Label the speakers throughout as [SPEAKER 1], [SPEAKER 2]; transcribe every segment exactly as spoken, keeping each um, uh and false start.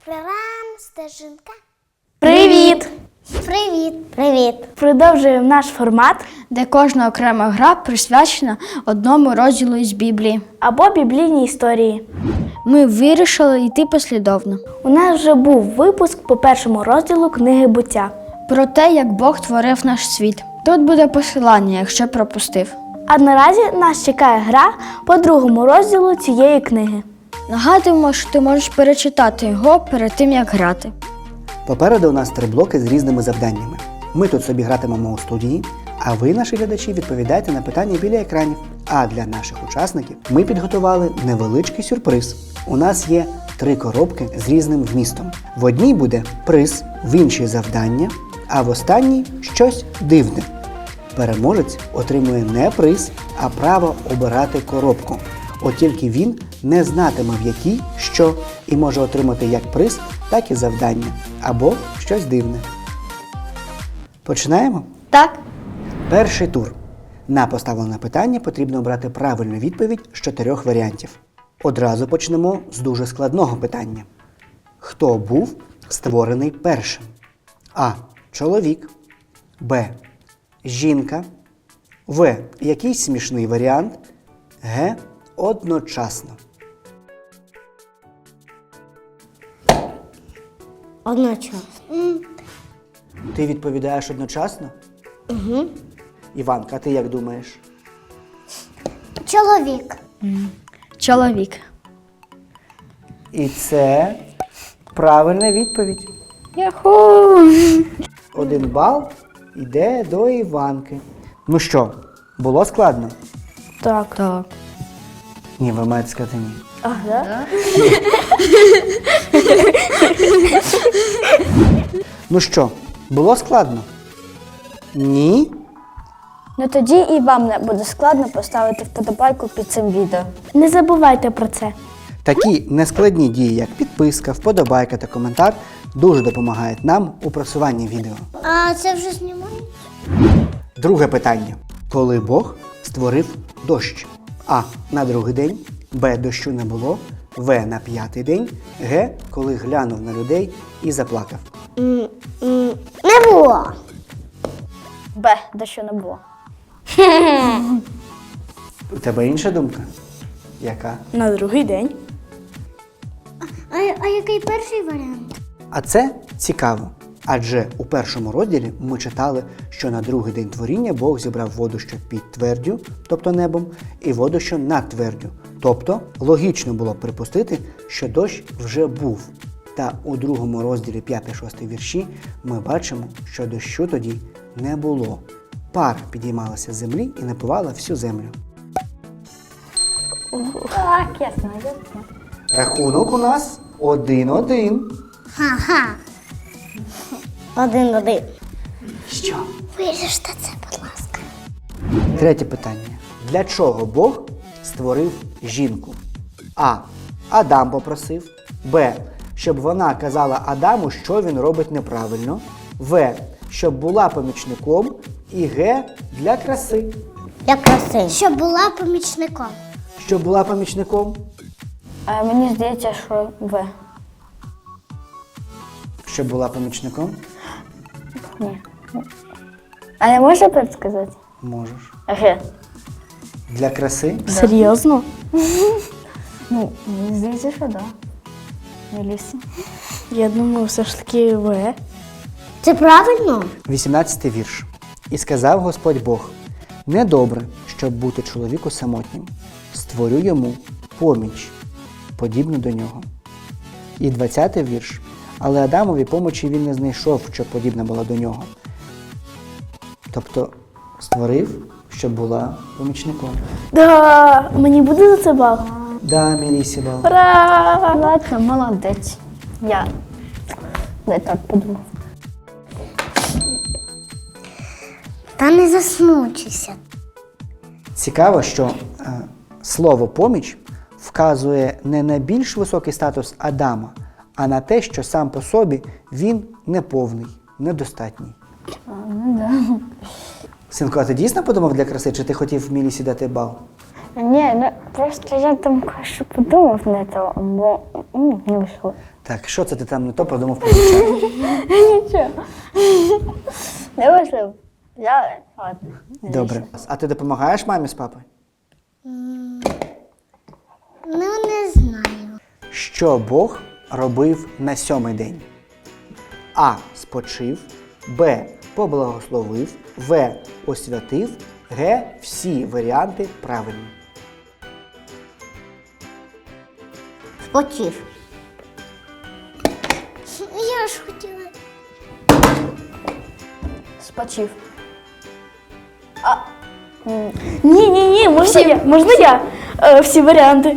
[SPEAKER 1] Прирам, стежинка.
[SPEAKER 2] Привіт!
[SPEAKER 1] Привіт. Привіт.
[SPEAKER 2] Продовжуємо наш формат
[SPEAKER 3] де кожна окрема гра присвячена одному розділу із Біблії.
[SPEAKER 2] або біблійні історії.
[SPEAKER 3] Ми вирішили йти послідовно.
[SPEAKER 2] У нас вже був випуск по першому розділу книги «Буття».
[SPEAKER 3] Про те, як Бог творив наш світ. Тут буде посилання, якщо пропустив.
[SPEAKER 2] А наразі нас чекає гра по другому розділу цієї книги.
[SPEAKER 3] Нагадуємо, що ти можеш перечитати його перед тим, як грати.
[SPEAKER 4] Попереду у нас три блоки з різними завданнями. Ми тут собі гратимемо у студії, а ви, наші глядачі, відповідаєте на питання біля екранів. А для наших учасників ми підготували невеличкий сюрприз. У нас є три коробки з різним вмістом. В одній буде приз, в іншій завдання, а в останній щось дивне. Переможець отримує не приз, а право обирати коробку. От тільки він не знатиме, в якій, що, і може отримати як приз, так і завдання, або щось дивне. Починаємо?
[SPEAKER 3] Так?
[SPEAKER 4] Перший тур. На поставлене питання потрібно обрати правильну відповідь з чотирьох варіантів. Одразу почнемо з дуже складного питання. Хто був створений першим? А. Чоловік. Б. Жінка. В. Якийсь смішний варіант. Г. Одночасно.
[SPEAKER 1] Одночасно.
[SPEAKER 4] Ти відповідаєш одночасно? Угу. Іванка, а ти як думаєш?
[SPEAKER 1] Чоловік.
[SPEAKER 3] Чоловік.
[SPEAKER 4] І це правильна відповідь.
[SPEAKER 3] Яху!
[SPEAKER 4] Один бал йде до Іванки. Ну що, було складно?
[SPEAKER 2] Так.
[SPEAKER 3] Так.
[SPEAKER 4] Ні, ви маєте сказати ні.
[SPEAKER 2] Ага.
[SPEAKER 4] Ну що, було складно? Ні?
[SPEAKER 3] Ну тоді і вам не буде складно поставити вподобайку під цим відео.
[SPEAKER 2] Не забувайте про це.
[SPEAKER 4] Такі нескладні дії, як підписка, вподобайка та коментар, дуже допомагають нам у просуванні відео.
[SPEAKER 1] А це вже знімають?
[SPEAKER 4] Друге питання. Коли Бог створив дощ? А. На другий день. Б. Дощу не було. В. На п'ятий день. Г. Коли глянув на людей і заплакав.
[SPEAKER 1] Не було.
[SPEAKER 2] Б, дещо не було.
[SPEAKER 4] У тебе інша думка? Яка?
[SPEAKER 2] На другий день.
[SPEAKER 1] А, а який перший варіант?
[SPEAKER 4] А це цікаво. Адже у першому розділі ми читали, що на другий день творіння Бог зібрав воду, що під твердю, тобто небом, і воду, що над твердю. Тобто логічно було б припустити, що дощ вже був. Та у другому розділі п'ятий-шостий вірші ми бачимо, що дощу тоді не було. Пар підіймалася з землі і напивала всю землю.
[SPEAKER 2] Так, ясно, ясно.
[SPEAKER 4] Рахунок у нас один-один.
[SPEAKER 1] Ха-ха. Один-один.
[SPEAKER 4] Що?
[SPEAKER 1] Виріште це, будь ласка.
[SPEAKER 4] Третє питання. Для чого Бог створив жінку? А. Адам попросив. Б. Щоб вона казала Адаму, що він робить неправильно. В. Щоб була помічником. І Г. Для краси.
[SPEAKER 1] Для краси. Щоб була помічником.
[SPEAKER 4] Щоб була помічником.
[SPEAKER 2] А мені здається, що В.
[SPEAKER 4] Щоб була помічником?
[SPEAKER 2] Ні. А я можу предсказати?
[SPEAKER 4] Можеш.
[SPEAKER 2] Г.
[SPEAKER 4] Для краси?
[SPEAKER 2] Серйозно? Ну, мені здається, що так. Меліса. Я думаю, все ж таки В.
[SPEAKER 1] Це правильно?
[SPEAKER 4] вісімнадцятий вірш. І сказав Господь Бог: недобре, щоб бути чоловіку самотнім. Створю йому поміч, подібну до нього. І двадцятий вірш. Але Адамові помочі він не знайшов, щоб подібна була до нього. Тобто створив, щоб була помічником.
[SPEAKER 2] Да, мені буде за це бал?
[SPEAKER 4] Да, Мелісі бал.
[SPEAKER 2] Ура! Ладно, молодець. Я не так подумав.
[SPEAKER 1] Та не засмучуйся.
[SPEAKER 4] Цікаво, що е, слово «поміч» вказує не на більш високий статус Адама, а на те, що сам по собі він неповний, недостатній.
[SPEAKER 2] А, ну да.
[SPEAKER 4] Синко, а ти дійсно подумав для краси, чи ти хотів Мілісі дати бал?
[SPEAKER 3] Ні, ну просто я там кое-що подумав не то, бо м, не вийшло.
[SPEAKER 4] Так, що це ти там не то подумав про дівчат?
[SPEAKER 3] Нічого. Не важливо. Взяли? Ладно.
[SPEAKER 4] Добре. А ти допомагаєш мамі з папою?
[SPEAKER 1] Ну, не знаю.
[SPEAKER 4] Що Бог робив на сьомий день? А. Спочив. Б. Поблагословив. В. Освятив. Г. Всі варіанти правильні.
[SPEAKER 1] Спочив. Я ж хотіла.
[SPEAKER 3] Спочив. А. м, Ні, ні, ні, можна я? Можна я? Е, всі варіанти.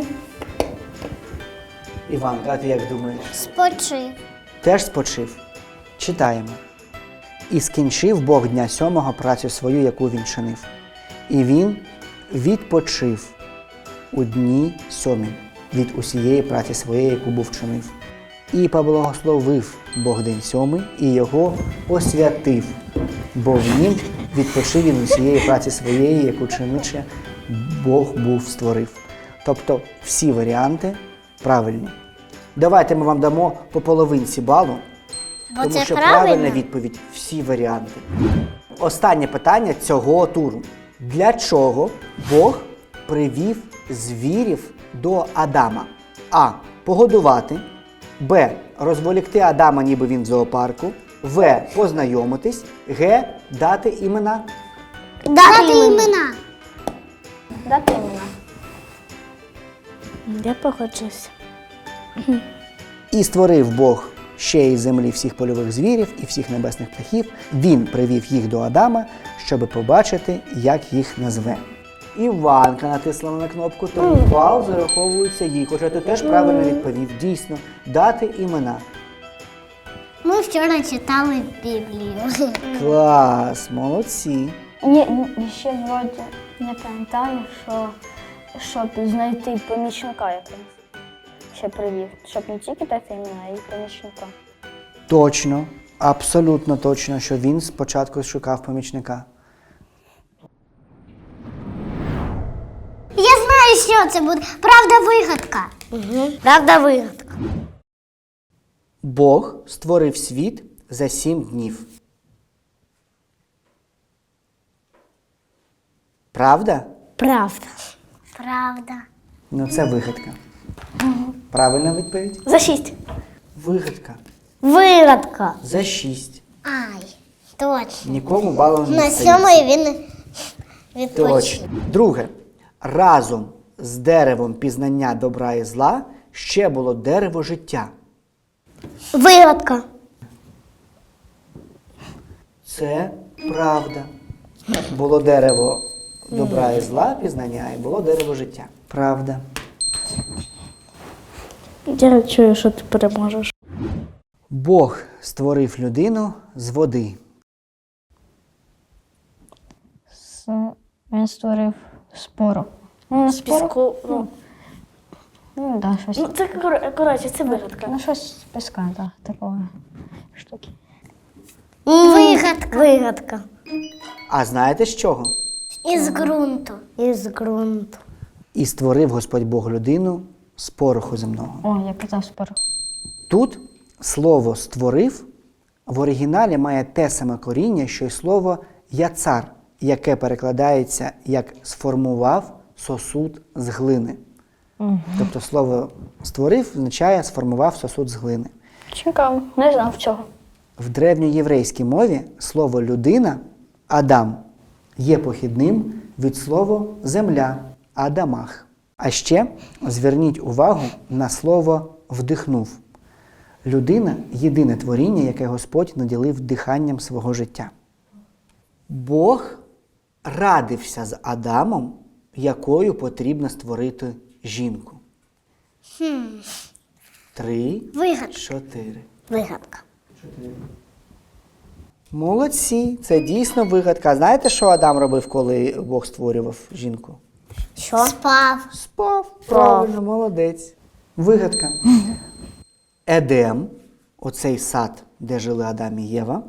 [SPEAKER 4] Іванка, а ти як думаєш?
[SPEAKER 1] Спочив.
[SPEAKER 4] Теж спочив. Читаємо. І скінчив Бог дня сьомого працю свою, яку він чинив. І він відпочив у дні сьомім від усієї праці своєї, яку був чинив. І поблагословив Бог день сьомий, і його освятив, бо в нім відпочив він усієї праці своєї, яку чиниче Бог був створив. Тобто всі варіанти правильні. Давайте ми вам дамо по половинці балу,
[SPEAKER 1] Бо
[SPEAKER 4] тому
[SPEAKER 1] це
[SPEAKER 4] що
[SPEAKER 1] правильно?
[SPEAKER 4] правильна відповідь – всі варіанти. Останнє питання цього туру. Для чого Бог привів звірів до Адама? А. Погодувати. Б. Розволікти Адама, ніби він в зоопарку. В. Познайомитись. Г. Дати імена.
[SPEAKER 1] Дати імена.
[SPEAKER 3] Дати імена.
[SPEAKER 2] Я погоджуюся.
[SPEAKER 4] І створив Бог ще із землі всіх польових звірів і всіх небесних птахів. Він привів їх до Адама, щоб побачити, як їх назве. Іванка натисла на кнопку, тому бал зараховується їй. Хоча ти теж правильно відповів. Дійсно, дати імена.
[SPEAKER 1] Ми вчора читали Біблію.
[SPEAKER 4] Клас, молодці.
[SPEAKER 3] Ні, ні, ще вроді не пам'ятаю, що щоб знайти помічника якогось. Ще привів. Щоб не тільки дати імена, а й помічника.
[SPEAKER 4] Точно, абсолютно точно, що він спочатку шукав помічника.
[SPEAKER 1] Я знаю, що це буде. Правда-вигадка. Угу. Правда-вигадка.
[SPEAKER 4] Бог створив світ за сім днів. Правда?
[SPEAKER 1] Правда. Правда.
[SPEAKER 4] Ну, це вигадка. Правильна відповідь?
[SPEAKER 3] За шість.
[SPEAKER 4] Вигадка.
[SPEAKER 1] Вигадка.
[SPEAKER 4] За шість.
[SPEAKER 1] Ай, точно.
[SPEAKER 4] Нікому балу не
[SPEAKER 1] На
[SPEAKER 4] стається.
[SPEAKER 1] сьомої він відпочив.
[SPEAKER 4] Точно. Друге. Разом з деревом пізнання добра і зла ще було дерево життя.
[SPEAKER 1] Вигадка.
[SPEAKER 4] Це правда. Було дерево добра і зла, пізнання, і було дерево життя. Правда.
[SPEAKER 2] Я чую, що ти переможеш.
[SPEAKER 4] Бог створив людину з води.
[SPEAKER 3] Він створив спору. Ну, не спору.
[SPEAKER 2] Піску, ну,
[SPEAKER 3] Ну, да, щось.
[SPEAKER 2] ну, це, кор- коротше, це вигадка.
[SPEAKER 3] Ну, щось з піска, так, такого штуки.
[SPEAKER 1] Вигадка. Вигадка.
[SPEAKER 4] А знаєте з чого?
[SPEAKER 1] Із ґрунту. Із ґрунту.
[SPEAKER 4] І створив Господь Бог людину з пороху земного.
[SPEAKER 3] О, я казав спору.
[SPEAKER 4] Тут слово «створив» в оригіналі має те саме коріння, що й слово «яцар», яке перекладається як «сформував сосуд з глини».
[SPEAKER 3] Угу.
[SPEAKER 4] Тобто слово «створив» означає «сформував сосуд з глини».
[SPEAKER 3] Цікаво, не знав цього.
[SPEAKER 4] В древньоєврейській мові слово «людина» – «адам» є похідним від слова «земля» – «адамах». А ще зверніть увагу на слово «вдихнув». Людина – єдине творіння, яке Господь наділив диханням свого життя. Бог радився з Адамом, якою потрібно створити жінку.
[SPEAKER 1] Хм.
[SPEAKER 4] Три,
[SPEAKER 1] Вигадка.
[SPEAKER 4] чотири.
[SPEAKER 1] Вигадка.
[SPEAKER 4] Молодці, це дійсно вигадка. Знаєте, що Адам робив, коли Бог створював жінку?
[SPEAKER 1] Що? Спав.
[SPEAKER 4] Спав. Правильно, молодець. Вигадка. Едем, оцей сад, де жили Адам і Єва,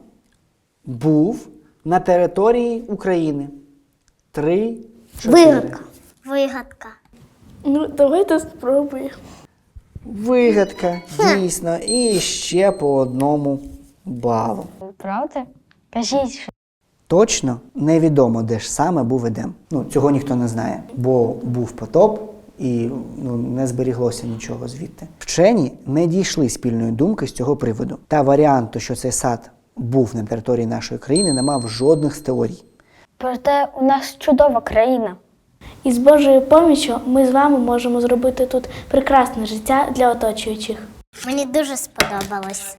[SPEAKER 4] був на території України. Три, чотири.
[SPEAKER 1] Вигадка. Вигадка.
[SPEAKER 2] Ну, давайте спробуємо.
[SPEAKER 4] Вигадка, дійсно, і ще по одному балу.
[SPEAKER 3] Правда? Кажіть, що
[SPEAKER 4] Точно невідомо, де ж саме був Едем. Ну, цього ніхто не знає, бо був потоп і ну, не зберіглося нічого звідти. Вчені не дійшли спільної думки з цього приводу. Та варіанту, що цей сад був на території нашої країни, не мав жодних з теорій.
[SPEAKER 3] проте у нас чудова країна.
[SPEAKER 2] І з Божою поміччю ми з вами можемо зробити тут прекрасне життя для оточуючих.
[SPEAKER 1] Мені дуже сподобалось.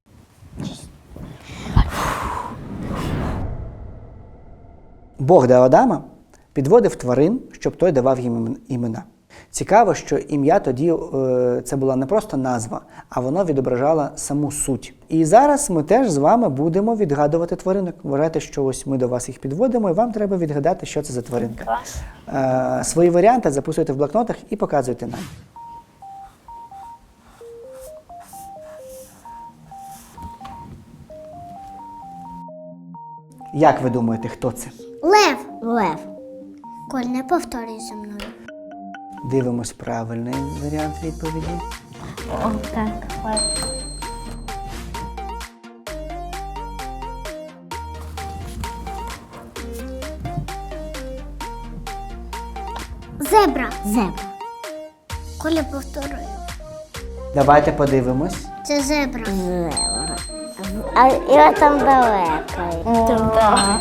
[SPEAKER 4] Бог до Адама підводив тварин, щоб той давав їм імена. Цікаво, що ім'я тоді е, це була не просто назва, а воно відображало саму суть. І зараз ми теж з вами будемо відгадувати тваринок. Вважайте, що ось ми до вас їх підводимо, і вам треба відгадати, що це за тваринка.
[SPEAKER 3] Клас.
[SPEAKER 4] Е, свої варіанти записуйте в блокнотах і показуйте нам. Як ви думаєте, хто це?
[SPEAKER 1] Лев. Лев. Коль, не повторюй за мною.
[SPEAKER 4] Дивимось правильний варіант відповіді.
[SPEAKER 3] О, так, лев.
[SPEAKER 1] Зебра. Зебра. Коля, повторюй.
[SPEAKER 4] Давайте подивимось.
[SPEAKER 1] Це зебра. Зебра. А я там далеко.
[SPEAKER 3] Так.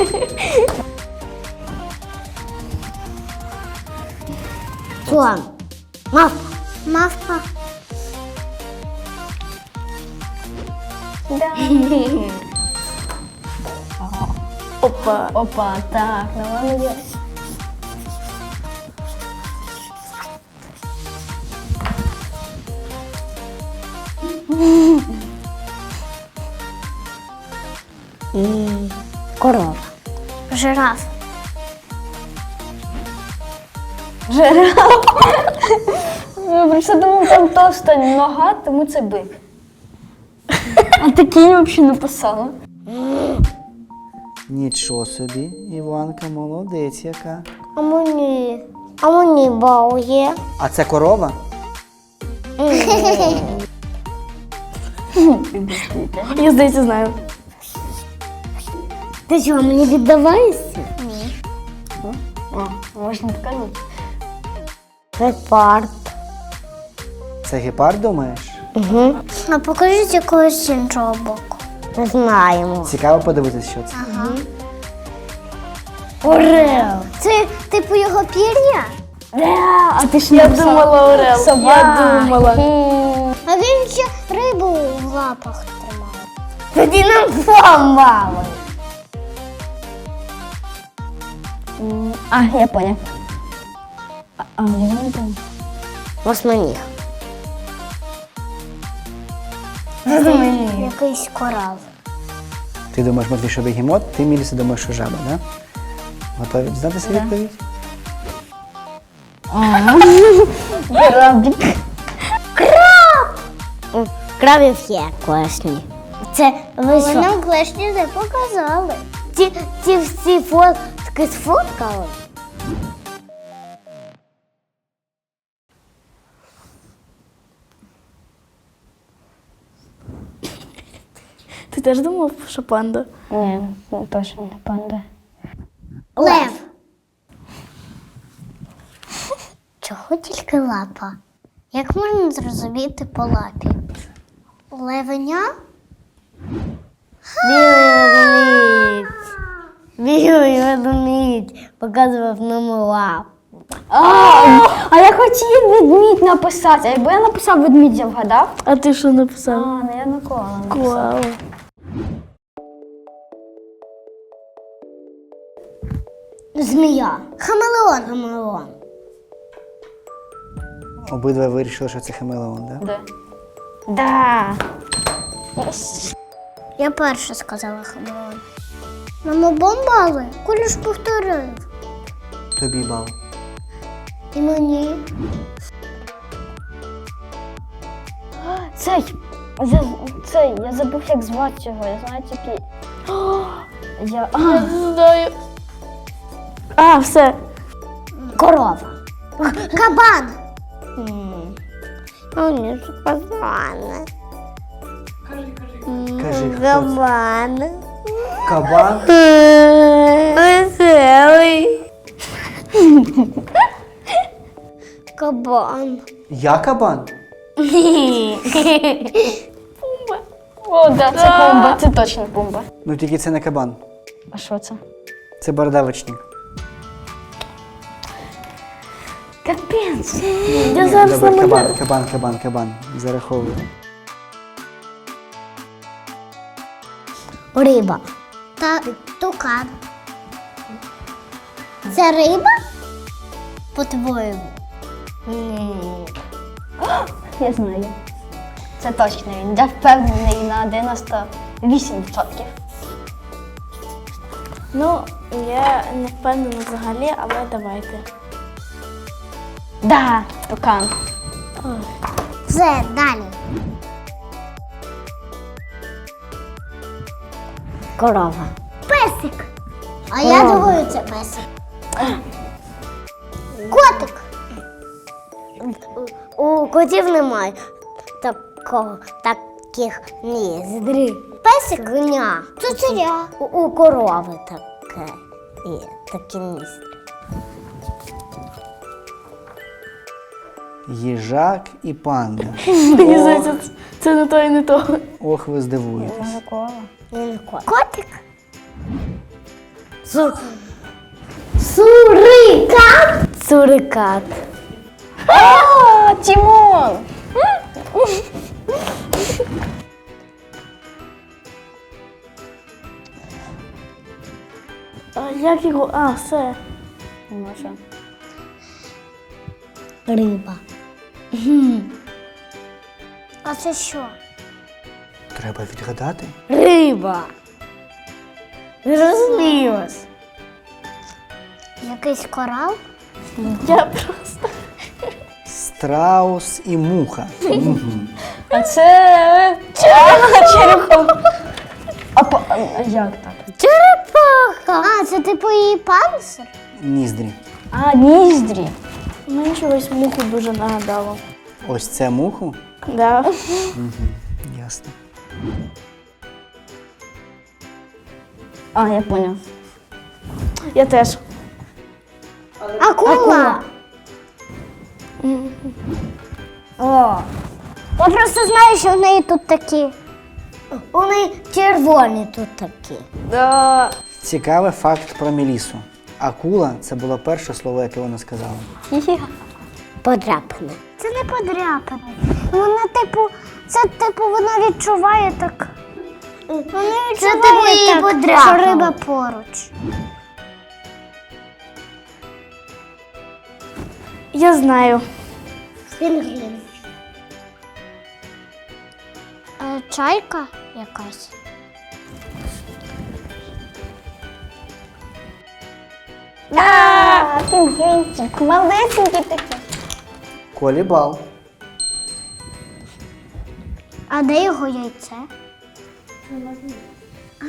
[SPEAKER 1] Слон. Мавпа. Мавпа.
[SPEAKER 3] Да.
[SPEAKER 2] Опа.
[SPEAKER 3] Опа, так, ну воно є.
[SPEAKER 1] Корова. Жираф.
[SPEAKER 3] Жираф. Я просто думав, там товста нога, тому це бик. А такі я взагалі написала.
[SPEAKER 4] Нічого собі, Іванка, молодець яка.
[SPEAKER 1] А мені. А мені бал є.
[SPEAKER 4] А це корова?
[SPEAKER 2] Я, здається, знаю.
[SPEAKER 1] Ти що, мені віддаваєшся? Ні.
[SPEAKER 3] О, можна показати.
[SPEAKER 1] Гепард.
[SPEAKER 4] Це гепард, думаєш?
[SPEAKER 1] Угу. А покажіть якогось іншого боку. Не знаємо.
[SPEAKER 4] Цікаво подивитися, що це.
[SPEAKER 1] Ага. Орел. Це типу його пір'я?
[SPEAKER 3] А ти ж
[SPEAKER 2] Я
[SPEAKER 3] написала.
[SPEAKER 2] думала орел.
[SPEAKER 3] Собаки.
[SPEAKER 2] Я думала.
[SPEAKER 1] А він ще рибу в лапах тримав. Тоді нам помали.
[SPEAKER 3] М, А, я поняв. А, а я не там.
[SPEAKER 1] Восьминіг. Якийсь корал.
[SPEAKER 4] Ти думаєш, Матвій, що бегемот, ти, Міліса, думаєш, що жаба, да? Готові дізнатися відповідь?
[SPEAKER 3] Кораблик.
[SPEAKER 1] Крабів є класні. Це ви що? Нам класні не показали. Ті, ті всі фотки сфоткали.
[SPEAKER 2] Ти теж думав, що панда?
[SPEAKER 3] Ні, ну, точно не панда.
[SPEAKER 1] Лев. Чого тільки лапа? Як можна зрозуміти по лапі? Левеня? Білий ведмідь. Білий ведмідь показував нам лапу.
[SPEAKER 3] А, а я хотів ведмідь написати. А якби я написав ведмідь, я вгадав?
[SPEAKER 2] А ти що
[SPEAKER 3] А,
[SPEAKER 2] написав?
[SPEAKER 3] ну я ніколи не написав.
[SPEAKER 2] Вау.
[SPEAKER 1] Змія. Хамелеон. Хамелеон.
[SPEAKER 4] Обидва вирішили, що це хамелеон, да?
[SPEAKER 3] Да. Да.
[SPEAKER 1] Я перша сказала хамелеон. Нам обом бали. Коля ж повторив.
[SPEAKER 4] Тобі бал.
[SPEAKER 1] І мені.
[SPEAKER 3] Цей, я, цей, я забув, як звати його. Я знаю тільки. О, я, а,
[SPEAKER 2] Я не знаю. А, все.
[SPEAKER 1] Корова. Кабан. Ну, ні, це кабан.
[SPEAKER 4] Кажи, хто це?
[SPEAKER 1] Кабан.
[SPEAKER 4] Кабан?
[SPEAKER 1] Веселий. Кабан.
[SPEAKER 4] Я кабан?
[SPEAKER 3] О, да, це Пумба, це точно Пумба.
[SPEAKER 4] Ну тільки це не кабан.
[SPEAKER 3] А що це?
[SPEAKER 4] Це бородавочник.
[SPEAKER 3] Капець.
[SPEAKER 4] Я зараз Добре, кабан, кабан, кабан, кабан. Зараховую.
[SPEAKER 1] Риба. Та тукан. Це риба? По-твоєму?
[SPEAKER 3] Я знаю. Це точно він. Я впевнений на дев'яносто вісім відсотків.
[SPEAKER 2] Ну, я не впевнена взагалі, але давайте.
[SPEAKER 3] Да, тукан.
[SPEAKER 1] Все, далі. Корова. Песик. А я думаю, це песик. Котик. У котів немає такого, таких ніздрів. Песик гня. Цуценя. У, у корови таке. І такі ніздрі.
[SPEAKER 4] Їжак і панда.
[SPEAKER 2] Мені здається, це- це не то і не то.
[SPEAKER 4] Ох, ви здивуєтесь.
[SPEAKER 1] Він кот. Котик. Су... Сурикат. Сурикат.
[SPEAKER 3] О, Тімон!
[SPEAKER 2] А як його? А, все.
[SPEAKER 3] Може.
[SPEAKER 1] Риба. А це що?
[SPEAKER 4] Треба відгадати.
[SPEAKER 1] Риба. Розумілось. Якийсь корал?
[SPEAKER 2] Я просто.
[SPEAKER 4] Страус і муха. Мгм.
[SPEAKER 3] А це черепаха черепом. А, по- а як так?
[SPEAKER 1] Черепаха. А, це типу її панцир?
[SPEAKER 4] Ніздрі.
[SPEAKER 3] А, ніздрі.
[SPEAKER 2] Мені чогось муху дуже нагадало.
[SPEAKER 4] Ось це муху?
[SPEAKER 2] Да.
[SPEAKER 4] Ясно.
[SPEAKER 3] А, я поняв.
[SPEAKER 2] Я теж.
[SPEAKER 1] Акула. О. Я просто знаю, що в неї тут такі. У неї червоні тут такі.
[SPEAKER 2] Да.
[SPEAKER 4] Цікавий факт про Мелісу. Акула це було перше слово, яке вона сказала.
[SPEAKER 1] Подряпане. Це не подряпане. Вона, типу, це типу вона відчуває так. Вона відчуває типу, її так, що риба поруч.
[SPEAKER 2] Я знаю.
[SPEAKER 1] Пінгвін. Е, чайка якась.
[SPEAKER 3] А, пінгвінчик, малесенький такий.
[SPEAKER 4] Колі бал.
[SPEAKER 1] А де його яйце? А.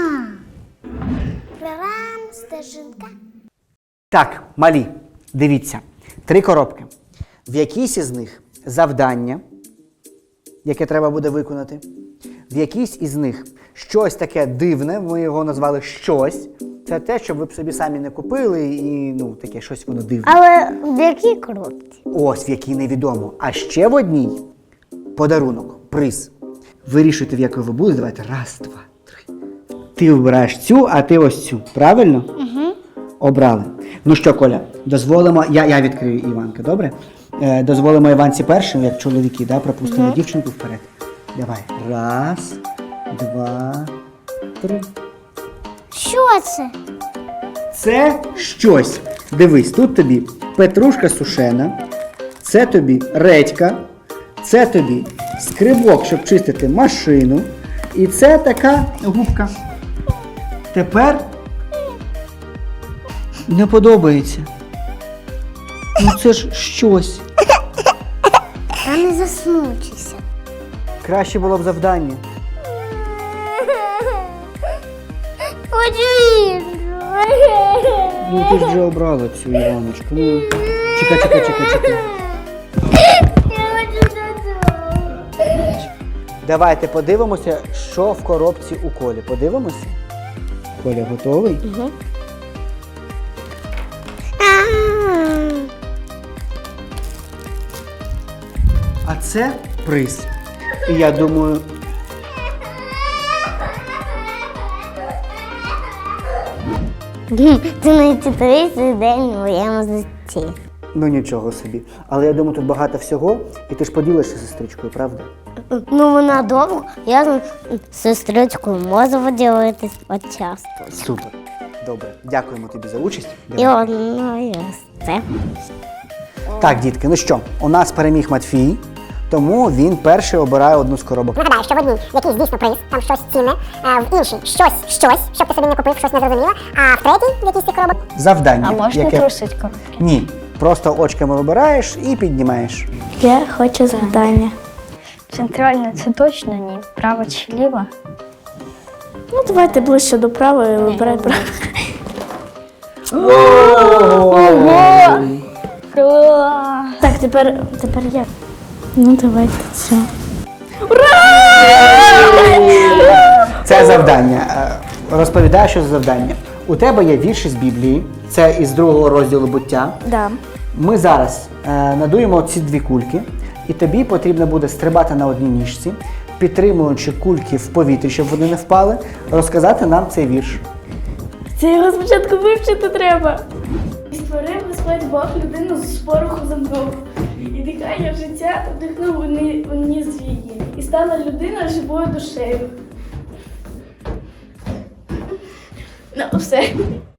[SPEAKER 1] Прям стежинка.
[SPEAKER 4] Так, малі, дивіться. Три коробки. В якійсь із них завдання, яке треба буде виконати. В якійсь із них щось таке дивне, ми його назвали щось. Це те, що ви б собі самі не купили і, ну, таке щось воно дивне.
[SPEAKER 1] Але в якій коробці?
[SPEAKER 4] Ось, в якій невідомо. А ще в одній подарунок, приз. Вирішуйте, в якій ви будете. Давайте. Раз, два, три. Ти вибираєш цю, а ти ось цю. Правильно? Угу. Обрали. Ну що, Коля, дозволимо. Я, я відкрию Іванка, добре? Е, дозволимо Іванці першим, як чоловіки, да? Пропустимо угу. дівчинку вперед. Давай. Раз, два, три.
[SPEAKER 1] Що це?
[SPEAKER 4] Це щось. Дивись, тут тобі петрушка сушена, це тобі редька, це тобі скрибок, щоб чистити машину, і це така губка. Тепер не подобається. Ну це ж щось.
[SPEAKER 1] Та не засмучуйся.
[SPEAKER 4] Краще було б завдання.
[SPEAKER 1] Хочу іншу.
[SPEAKER 4] Ну ти ж вже обрала цю Іваночку. Ну. Чекай, чекай, чекай, чекай. Давайте подивимося, що в коробці у Колі. Подивимося. Коля готовий?
[SPEAKER 2] Угу.
[SPEAKER 4] А це приз. І я думаю,
[SPEAKER 1] Це найцікавіший день у моєму житті.
[SPEAKER 4] ну нічого собі. Але я думаю, тут багато всього, і ти ж поділишся з сестричкою, правда?
[SPEAKER 1] Ну, вона довго, я з сестричкою можу поділитись от часто.
[SPEAKER 4] Супер. Добре. Дякуємо тобі за участь.
[SPEAKER 1] І
[SPEAKER 4] Давай.
[SPEAKER 1] одно є це.
[SPEAKER 4] Так, дітки, ну що, у нас переміг Матвій, тому він перший обирає одну з коробок.
[SPEAKER 5] Нагадаю, що в одній якийсь дійсно приз, там щось цінне, а в іншій щось, щось, щоб ти собі не купив, щось незрозуміле, а в третій в якійсь з цих коробок
[SPEAKER 4] Завдання.
[SPEAKER 3] А можна
[SPEAKER 4] яке...
[SPEAKER 3] трусить коробки?
[SPEAKER 4] Ні. Просто очками вибираєш і піднімаєш.
[SPEAKER 2] Я хочу завдання.
[SPEAKER 3] Центральне це точно ні. Право чи ліво?
[SPEAKER 2] Ну, давайте ближче до права і вибирай право. Так, тепер, тепер я. Ну, давайте це.
[SPEAKER 4] Це завдання. Е, Розповідаю, що за завдання. У тебе є вірші з Біблії, це із другого розділу буття.
[SPEAKER 2] Да.
[SPEAKER 4] Ми зараз е, надуємо ці дві кульки, і тобі потрібно буде стрибати на одній ніжці, підтримуючи кульки в повітрі, щоб вони не впали, розказати нам цей вірш.
[SPEAKER 2] Це його спочатку вивчити треба. І створив Господь Бог людину з пороху земного. І дихання життя вдихнув у ні- у ніс її. І стала людина живою душею. Ну, все.